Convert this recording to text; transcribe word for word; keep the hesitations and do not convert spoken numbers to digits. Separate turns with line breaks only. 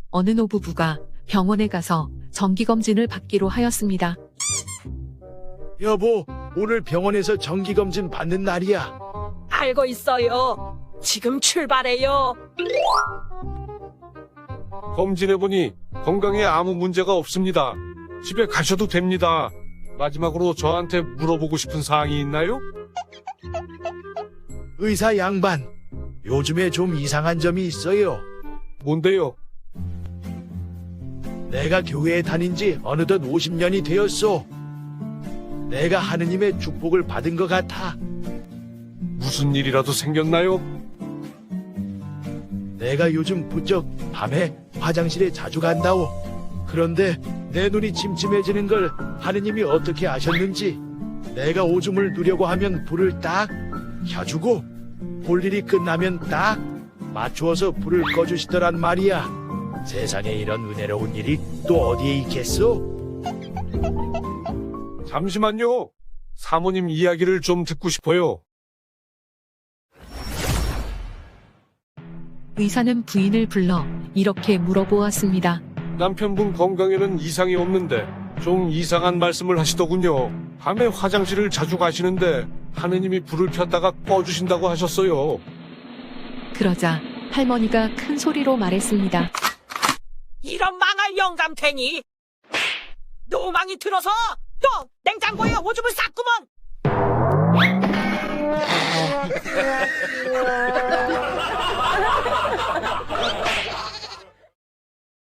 어느 노부부가 병원에 가서 정기검진을 받기로 하였습니다.
여보, 오늘 병원에서 정기검진 받는 날이야.
알고 있어요. 지금 출발해요.
검진해보니 건강에 아무 문제가 없습니다. 집에 가셔도 됩니다. 마지막으로 저한테 물어보고 싶은 사항이 있나요?
의사 양반, 요즘에 좀 이상한 점이 있어요.
뭔데요?
내가 교회에 다닌 지 어느덧 오십 년이 되었소. 내가 하느님의 축복을 받은 것 같아.
무슨 일이라도 생겼나요?
내가 요즘 부쩍 밤에 화장실에 자주 간다오. 그런데 내 눈이 침침해지는 걸 하느님이 어떻게 아셨는지 내가 오줌을 누려고 하면 불을 딱 켜주고 볼 일이 끝나면 딱 맞추어서 불을 꺼주시더란 말이야. 세상에 이런 은혜로운 일이 또 어디에 있겠소?
잠시만요. 사모님 이야기를 좀 듣고 싶어요.
의사는 부인을 불러 이렇게 물어보았습니다.
남편분 건강에는 이상이 없는데 좀 이상한 말씀을 하시더군요. 밤에 화장실을 자주 가시는데 하느님이 불을 폈다가 꺼주신다고 하셨어요.
그러자 할머니가 큰 소리로 말했습니다.
이런 망할 영감탱이. 노망이 들어서 또 냉장고에 오줌을 쌌구먼.